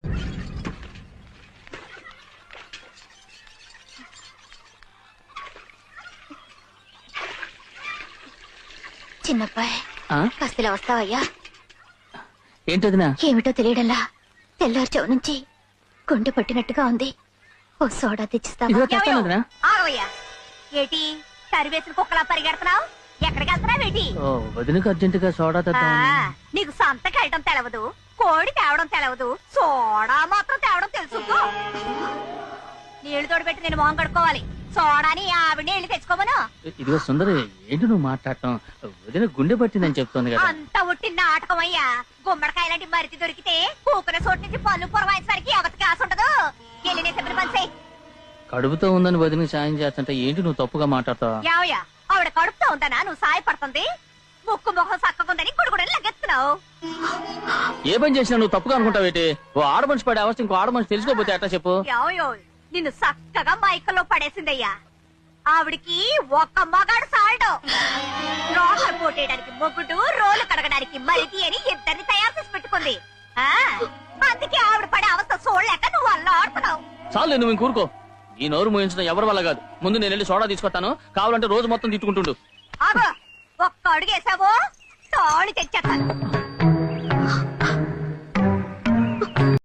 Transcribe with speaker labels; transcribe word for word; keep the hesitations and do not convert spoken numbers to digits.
Speaker 1: చిన్నబ్బాయి కాస్త ఇలా వస్తావయ్యా?
Speaker 2: ఏంటదినా?
Speaker 1: ఏమిటో తెలియడంలా తెల్లారుచో నుంచి గుండె పట్టినట్టుగా ఉంది. ఓ సోడా తెచ్చిస్తావా?
Speaker 3: ఆగవయ్యా, ఏటి సరివేసిన కుక్కలా పరిగెడుతున్నావు? ఎక్కడికి వెళ్తున్నావు? ఏటి
Speaker 2: వదినకు అర్జెంట్ గా సోడా తెద్దామని.
Speaker 3: నీకు సంతకి వెళ్ళడం తెలవదు, కోడి తేవడం తెలవదు, సోడా మాత్రం తేవడం తెలుసు. నీళ్లు తోడుపెట్టి నేను మొహం కడుక్కోవాలి. సోడాని ఆవిడ నీళ్లు తెచ్చుకోమను.
Speaker 2: ఇదిగో సుందరి, ఏంటి నువ్వు మాట్లాడటం? వదిన గుండె పట్టిందని చెప్తోంది కదా.
Speaker 3: అంత ఉట్టి నాటకం అయ్యా. గుమ్మడికాయ లాంటి మరిది దొరికితే కూకునే చోటు నుంచి పళ్ళు పొరవాయించడానికి ఎవరికి కాసు ఉండదు. వెళ్ళినే చెప్పిన పని చెయ్యి.
Speaker 2: కడుపుతో ఉందని వదినకి సాయం చేస్తుంటే ఏంటి నువ్వు తప్పుగా మాట్లాడతావా?
Speaker 3: యావయ్యా, ఆవిడ కడుపుతో ఉందనా నువ్వు సాయపడుతుంది? ముక్కు ముఖం సక్కకుందని గుడుగుడని లగెత్తున్నావు.
Speaker 2: ఏ పని చేసినా నువ్వు తప్పుగా అనుకుంటావేటి? ఓ ఆడమనిషి పడే అవస్థ ఇంకో ఆడమనిషి తెలుసుకోపోతే ఎట్లా చెప్పు?
Speaker 3: యావయో, నిన్ను చక్కగా మైకల్లో పడేసిందయ్యా. ఆవిడికి ఒక్క మగాడు సాల్డు. రోగలు పోటేయడానికి మొగుడు, రోలు కడగడానికి మరిది అని ఇద్దరిని తయారు చేసి పెట్టుకుంది. ఆ అందుకే ఆవిడ పడే అవస్థ చూడలేక నువ్వు అల్లా ఆడుతున్నావు.
Speaker 2: చాలు, నువ్వు ఇంకూరుకో. ఈ నోరు మోయించడం ఎవరి వల్ల కాదు. ముందు నేను వెళ్ళి సోడా తీసుకొస్తాను. కావాలంటే రోజు మొత్తం తిట్టుకుంటుండు.
Speaker 3: ఆగో, ఒక్క అడుగేసావో తాళి తెచ్చేస్తాను.